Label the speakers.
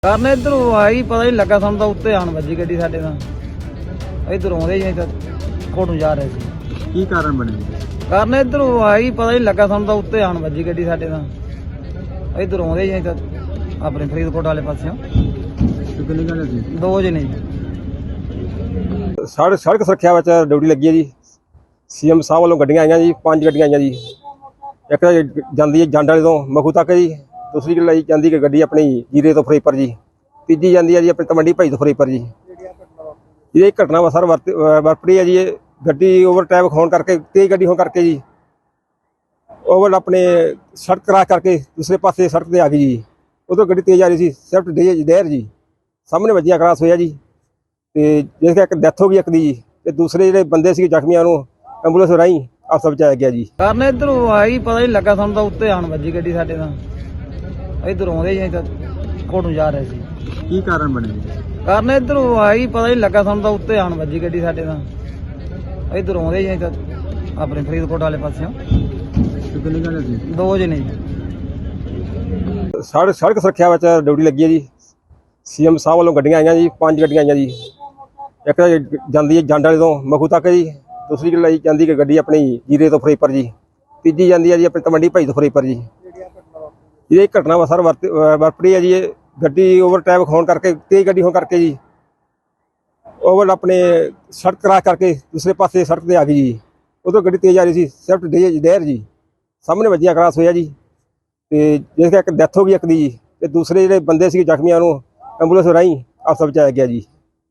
Speaker 1: ਕਰਨ ਇੱਧਰੋਂ ਆਈ ਪਤਾ ਨਹੀਂ ਲੱਗਾ ਸਾਨੂੰ ਤਾਂ ਉੱਤੇ ਆਣ ਵੱਜੀ ਗੱਡੀ ਸਾਡੇ ਨਾਲ ਇੱਧਰੋਂ ਆਉਂਦੇ ਜੀ ਤਾਂ ਕੋਟ ਨੂੰ ਜਾ ਰਹੇ ਸੀ।
Speaker 2: ਕੀ ਕਾਰਨ ਬਣਿਆ?
Speaker 1: ਕਰਨ ਇੱਧਰੋਂ ਆਈ ਪਤਾ ਨਹੀਂ ਲੱਗਾ ਸਾਨੂੰ ਤਾਂ ਉੱਤੇ ਆਣ ਵੱਜੀ ਗੱਡੀ ਸਾਡੇ ਨਾਲ ਇੱਧਰੋਂ ਆਉਂਦੇ ਜੀ ਤਾਂ ਆਪਣੇ ਫਰੀਦਕੋਟ ਵਾਲੇ ਪਾਸਿਓਂ।
Speaker 2: ਕਿੰਨੇ ਜਣੇ ਸੀ?
Speaker 1: ਦੋ ਜਣੇ ਜੀ।
Speaker 3: ਸੜਕ ਸੁਰੱਖਿਆ ਵਿੱਚ ਡਿਊਟੀ ਲੱਗੀ ਹੈ ਜੀ। ਸੀਐਮ ਸਾਹਿਬ ਵੱਲੋਂ ਗੱਡੀਆਂ ਆਈਆਂ ਜੀ, 5 ਗੱਡੀਆਂ ਆਈਆਂ ਜੀ। ਇੱਕ ਤਾਂ ਜਾਂਦੀ ਹੈ ਜੰਡ ਵਾਲੇ ਤੋਂ ਮਖੂ ਤੱਕ ਜੀ, ਦੂਸਰੀ ਲਈ ਜਾਂਦੀ ਕਿ ਗੱਡੀ ਆਪਣੀ ਜੀਰੇ ਤੋਂ ਫਰੀਦਕੋਟ ਜੀ, ਤੀਜੀ ਜਾਂਦੀ ਹੈ ਜੀ ਆਪਣੀ ਤਮੰਡੀ ਭਾਈ ਤੋਂ ਫਰੀਦਕੋਟ ਜੀ। ਇਹ ਘਟਨਾ ਵਾ ਸਰ ਵਾਪਰੀ ਹੈ ਜੀ। ਇਹ ਗੱਡੀ ਓਵਰਟੇਕ ਹੋਣ ਕਰਕੇ, ਤੇਜ਼ ਗੱਡੀ ਹੋਣ ਕਰਕੇ ਜੀ ਓਵਰ ਆਪਣੇ ਸੜਕ ਕਰਾਸ ਕਰਕੇ ਦੂਸਰੇ ਪਾਸੇ ਸੜਕ ਤੇ ਆ ਗਈ ਜੀ। ਉਦੋਂ ਗੱਡੀ ਤੇਜ਼ ਆ ਰਹੀ ਸੀ, ਸਿਫਟ ਡੇਰ ਜੀ ਸਾਹਮਣੇ ਵੱਜੀਆਂ ਕਰਾਸ ਹੋਇਆ ਜੀ। ਤੇ ਜਿਸ ਕਰਕੇ ਡੈਥ ਹੋ ਗਈ ਇੱਕ ਦੀ ਜੀ, ਤੇ ਦੂਸਰੇ ਜਿਹੜੇ ਬੰਦੇ ਸੀ ਜ਼ਖਮੀਆਂ ਨੂੰ ਐਂਬੂਲੈਂਸ ਰਾਹੀਂ ਹਸਪਤਾਲ ਪਹੁੰਚਾਇਆ ਗਿਆ ਜੀ।
Speaker 1: ਕਰਨ ਇੱਧਰੋਂ ਆਈ ਪਤਾ ਨਹੀਂ ਲੱਗਾ ਸਾਨੂੰ ਤਾਂ ਉੱਤੇ ਆਣ ਵੱਜੀ ਗੱਡੀ ਸਾਡੇ ਨਾਲ ਇੱਧਰੋਂ ਆਉਂਦੇ ਜੀ ਤਾਂ ਕੋਟ ਨੂੰ ਜਾ ਰਹੇ ਸੀ।
Speaker 2: ਕੀ ਕਾਰਨ ਬਣਿਆ?
Speaker 1: ਕਰਨ ਇੱਧਰੋਂ ਆਈ ਪਤਾ ਨਹੀਂ ਲੱਗਾ ਸਾਨੂੰ ਤਾਂ ਉੱਤੇ ਆਣ ਵੱਜੀ ਗੱਡੀ ਸਾਡੇ ਨਾਲ ਇੱਧਰੋਂ ਆਉਂਦੇ ਜੀ ਤਾਂ ਆਪਣੇ ਫਰੀਦਕੋਟ ਵਾਲੇ ਪਾਸਿਓਂ।
Speaker 2: ਕਿੰਨੇ ਜਣੇ ਸੀ?
Speaker 1: ਦੋ ਜਣੇ ਜੀ।
Speaker 3: ਸੜਕ ਸੁਰੱਖਿਆ ਵਿੱਚ ਡਿਊਟੀ ਲੱਗੀ ਹੈ ਜੀ। ਸੀਐਮ ਸਾਹਿਬ ਵੱਲੋਂ ਗੱਡੀਆਂ ਆਈਆਂ ਜੀ, 5 ਗੱਡੀਆਂ ਆਈਆਂ ਜੀ। ਇੱਕ ਤਾਂ ਜਾਂਦੀ ਹੈ ਜੰਡ ਵਾਲੇ ਤੋਂ ਮਖੂ ਤੱਕ ਜੀ, ਦੂਸਰੀ ਲਈ ਜਾਂਦੀ ਕਿ ਗੱਡੀ ਆਪਣੀ ਜੀਰੇ ਤੋਂ ਫਰੀਦਕੋਟ ਜੀ, ਤੀਜੀ ਜਾਂਦੀ ਹੈ ਜੀ ਆਪਣੀ ਤਮੰਡੀ ਭਾਈ ਤੋਂ ਫਰੀਦਕੋਟ ਜੀ। ਇਹ ਘਟਨਾ ਵਾ ਸਰ ਵਾਪਰੀ ਹੈ ਜੀ। ਇਹ ਗੱਡੀ ਓਵਰਟੇਕ ਹੋਣ ਕਰਕੇ, ਤੇਜ਼ ਗੱਡੀ ਹੋਣ ਕਰਕੇ ਜੀ ਓਵਰ ਆਪਣੇ ਸੜਕ ਕਰਾਸ ਕਰਕੇ ਦੂਸਰੇ ਪਾਸੇ ਸੜਕ ਤੇ ਆ ਗਈ ਜੀ। ਉਦੋਂ ਗੱਡੀ ਤੇਜ਼ ਆ ਰਹੀ ਸੀ, ਸਿਫਟ ਡੇਰ ਜੀ ਸਾਹਮਣੇ ਵੱਜੀਆਂ ਕਰਾਸ ਹੋਇਆ ਜੀ। ਤੇ ਜਿਸ ਕਰਕੇ ਡੈਥ ਹੋ ਗਈ ਇੱਕ ਦੀ ਜੀ, ਤੇ ਦੂਸਰੇ ਜਿਹੜੇ ਬੰਦੇ ਸੀ ਜ਼ਖਮੀਆਂ ਨੂੰ ਐਂਬੂਲੈਂਸ ਰਾਹੀਂ ਹਸਪਤਾਲ ਪਹੁੰਚਾਇਆ ਗਿਆ ਜੀ।